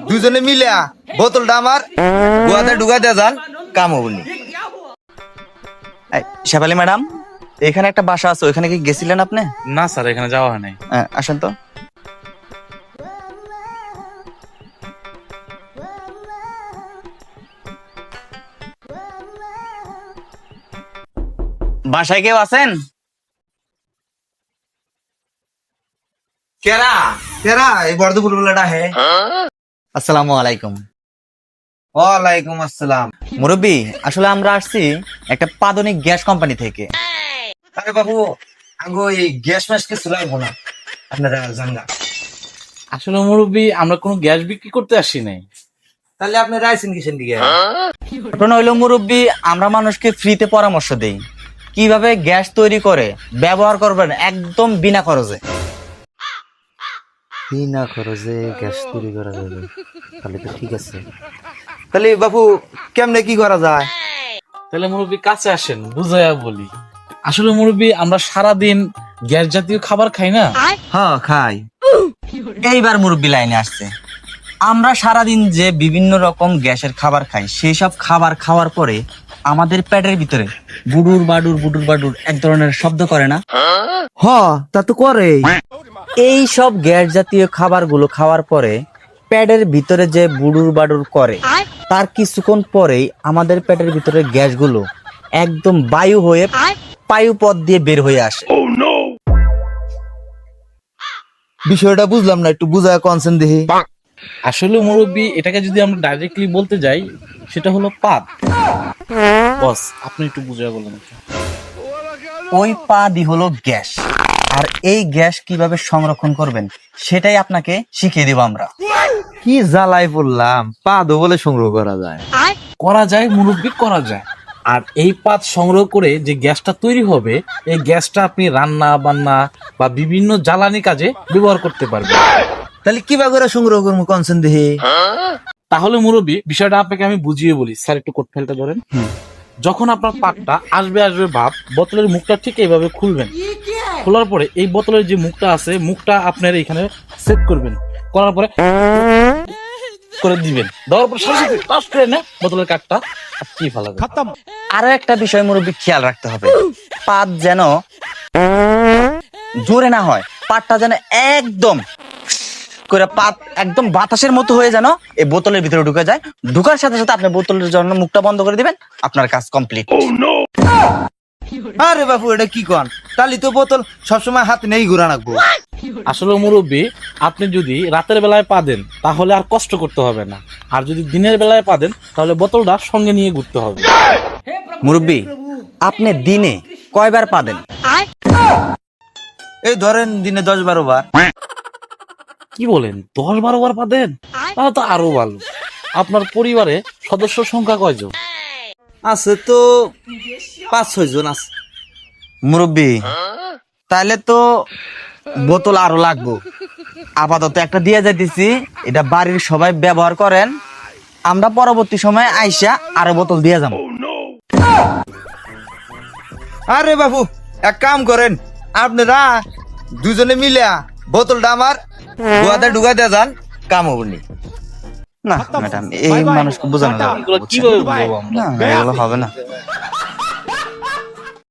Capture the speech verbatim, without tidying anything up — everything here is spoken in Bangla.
দুজনে মিলে বোতলটা আমার গোয়াতে ঢুকাই দেয়া যান, কাম হবনি। শেফালি ম্যাডাম, এখানে একটা বাসা আছে, ওখানে কি গেছিলেন আপনি? না স্যার, এখানে যাওয়া হয় নাই। হ্যাঁ, আসেন তো। বাসায় কেউ আছেন? কেরা কেরা এই বর্ধপুর বেলাটা হে। আসসালামু আলাইকুম। ওয়ালাইকুম আসসালাম। মুরব্বী, আসলে আমরা আসছি একটা পাদনিক গ্যাস কোম্পানি থেকে। আরে বাবু, আঙ্গো এই গ্যাস ম্যাস কিছু লাগবো না, আপনারা জানগা। আসলে মুরব্বী, আমরা কোনো গ্যাস বিক্রি করতে আসি নাই। তাহলে আপনারা আইছেন কিসের দিকে? ঘটনা হইলো মুরব্বী, আমরা মানুষকে ফ্রিতে পরামর্শ দেই কিভাবে গ্যাস তৈরি করে ব্যবহার করবেন একদম বিনা খরচে। বিনা খরচে গ্যাস তৈরি করা যাবে, তাহলে তো ঠিক আছে। তাহলে বাবু কেমনে কি করা যায়? তাহলে মুরব্বী কাছে আসেন, বুঝাইয়া বলি। আসলে মুরব্বী, আমরা সারাদিন গ্যাস জাতীয় খাবার খাই না। হ্যাঁ খাই। এইবার মুরব্বী লাইনে আসছে। আমরা সারাদিন যে বিভিন্ন রকম গ্যাসের খাবার খাই, সেই সব খাবার খাওয়ার পরে আমাদের পেটের ভিতরে বুডুর বাডুর বুডুর বাডুর এক ধরনের শব্দ করে না? হ্যাঁ, তা তো করে। এই সব গ্যাস জাতীয় খাবারগুলো খাওয়ার পরে পেটের ভিতরে যে বুডুর বাডুর করে, তার কিছুক্ষণ পরেই আমাদের পেটের ভিতরে গ্যাসগুলো একদম বায়ু হয়ে বায়ু পথ দিয়ে বের হয়ে আসে। বিষয়টা বুঝলাম না, একটু বুঝায় কনসেন্ট দেখি। আসলে মুরব্বী, এটাকে যদি আমরা ডাইরেক্টলি বলতে যাই, সেটা হলো পাদ। বস, আপনি একটু বুঝাইয়া বলেন। ওই পাদি হলো গ্যাস, আর এই গ্যাস কিভাবে সংরক্ষণ করবেন সেটাই আপনাকে শিখিয়ে দেব আমরা। কি জ্বালাই বললাম, পাদও বলে সংগ্রহ করা যায়? করা যায় মুরব্বী, করা যায়। আর এই পাত সংগ্রহ করে যে গ্যাসটা তৈরি হবে, এই গ্যাসটা আপনি রান্না বান্না বা বিভিন্ন জ্বালানি কাজে ব্যবহার করতে পারবেন। তাহলে কিভাবে করে সংগ্রহ করবো কনসেন্ট দেখি? তাহলে মুরব্বী, বিষয়টা আপনাকে আমি বুঝিয়ে বলি। স্যার, একটু কোট ফেলটা ধরেন। যখন আপনার পাকটা আসবে আসবে ভাব, বোতলের মুখটা ঠিক এইভাবে খুলবেন। খোলার পরে এই বোতলের যে মুখটা আছে, মুখটা আপনার এখানে সেট করবেন। করার পরে করে দিবেন। দেওয়ার পর সাথে সাথে টাচ করে না বোতলের কাঠটা কি ফেলাবে। আরো একটা বিষয় মুরব্বী খেয়াল রাখতে হবে, পাত যেন জোরে না হয়, পাতটা যেন একদম করে পাত একদম বাতাসের মতো হয়ে যেন এই বোতলের ভিতরে ঢুকে যায়। ঢুকার সাথে সাথে আপনি বোতলের জন্য মুখটা বন্ধ করে দিবেন, আপনার কাজ কমপ্লিট। আরে বাবু, এটা কি কন? তাহলে তো বোতল সবসময় হাতে নেই ঘুরা রাখবো। আসলে মুরব্বী, আপনি যদি রাতের বেলায় পা দেন তাহলে আর কষ্ট করতে হবে না, আর যদি দিনের বেলায় পা দেন তাহলে বোতলটা সঙ্গে নিয়ে ঘুরতে হবে। মুরব্বী, আপনি দিনে কয়বার পা দেন? এই ধরেন দিনে দশ বারো বার। কি বলেন, দশ বারো বার পা দেন? তাহলে তো আরো ভালো। আপনার পরিবারে সদস্য সংখ্যা কয়জন? আছে তো পাঁচ ছয় জন আছে। মুরব্বী, তাহলে তো বোতল আরো লাগবো। আপাতত একটা দিয়ে যাইতেছি, এটা বাড়ির সবাই ব্যবহার করেন, আমরা পরবর্তী সময়ে আইসা আরো বোতল দিয়ে যাবো। আরে বাবু, এক কাম করেন, আপনারা দুজনে মিলে বোতলটা আমার গোয়াতে ঢুকাই দিয়ে যান, কাম হবনি। না ম্যাডাম, এই মানুষকে বোঝানো যাবে না, কিভাবে বুঝবো আমরা? না, এগুলো হবে না।